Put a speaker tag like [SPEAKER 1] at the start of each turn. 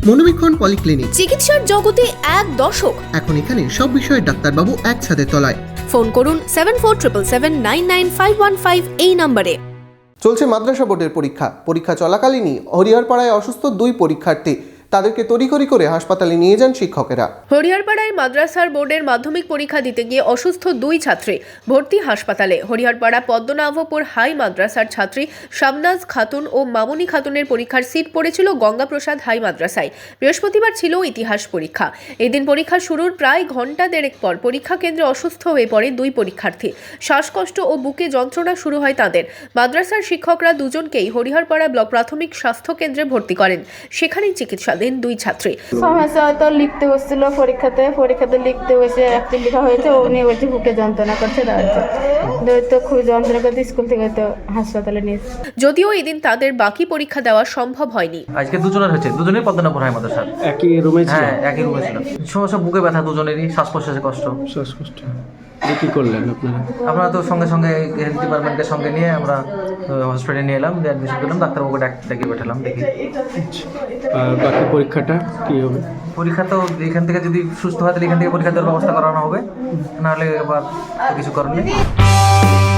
[SPEAKER 1] মনোবীক্ষণ polyclinic,
[SPEAKER 2] চিকিৎসার জগতে এক দশক।
[SPEAKER 1] এখন এখানে সব বিষয়ে ডাক্তারবাবু একসাথে তলায়।
[SPEAKER 2] ফোন করুন 7477999515 এই নম্বরে।
[SPEAKER 1] চলছে মাদ্রাসা বোর্ডের পরীক্ষা চলাকালীনই হরিহরপাড়ায় অসুস্থ 2 পরীক্ষার্থী। তাদেরকে তড়িঘড়ি করে হাসপাতালে নিয়ে যান শিক্ষকেরা।
[SPEAKER 2] হরিহরপাড়ায় মাদ্রাসার বোর্ডের মাধ্যমিক পরীক্ষা দিতে গিয়ে অসুস্থ 2 ছাত্রী ভর্তি হাসপাতালে। হরিহরপাড়া পদ্মনাভপুর হাই মাদ্রাসার ছাত্রী শামনাজ খাতুন ও মামুনি খাতুনের পরীক্ষার সিট পড়েছিল গঙ্গাপ্রসাদ হাই মাদ্রাসায়। বৃহস্পতিবার ছিল ইতিহাস পরীক্ষা। এদিন পরীক্ষা শুরুর প্রায় ঘন্টা দেড়েক পর পরীক্ষা কেন্দ্রে অসুস্থ হয়ে পড়ে 2 পরীক্ষার্থী। শ্বাসকষ্ট ও বুকে যন্ত্রণা শুরু হয় তাদের। মাদ্রাসার শিক্ষকরা দুজনকেই হরিহরপাড়া ব্লক প্রাথমিক স্বাস্থ্য কেন্দ্রে ভর্তি করেন। সেখানেই চিকিৎসা দেন 2 ছাত্রী।
[SPEAKER 3] সমস্যা হয়তো লিখতে বসছিল পরীক্ষাতে লিখতে বসে একটি লেখা হয়েছে, উনি বলছে বুকে যন্ত্রণা করছে, তো খুব যন্ত্রণা করতে স্কুল থেকে তো হাসপাতালে নিয়েছে।
[SPEAKER 2] যদিও এদিন তাদের বাকি পরীক্ষা দেওয়া সম্ভব হয়নি।
[SPEAKER 4] আজকে দুজনের হয়েছে, দুজনেই পদ্মনাভপুর হাই মাদ্রাসার।
[SPEAKER 5] একই রুমে ছিল?
[SPEAKER 4] হ্যাঁ, একই রুমে ছিল। সমস্যা বুকে ব্যথা, দুজনেরই শ্বাস প্রশ্বাসে কষ্ট।
[SPEAKER 5] শ্বাসকষ্ট। কি করলেন আপনারা?
[SPEAKER 4] আমরা তো সঙ্গে সঙ্গে হেলথ ডিপার্টমেন্টের সঙ্গে নিয়ে আমরা হসপিটালে নিয়ে এলাম, অ্যাডমিশন করলাম, ডাক্তারবাবুকে ডেকে পাঠালাম। দেখি
[SPEAKER 5] আর বাকি পরীক্ষাটা কি হবে?
[SPEAKER 4] পরীক্ষা তো এখান থেকে যদি সুস্থ হয় তাহলে এখান থেকে পরীক্ষা দেওয়ার ব্যবস্থা করানো হবে, নাহলে আবার কিছু করার নেই।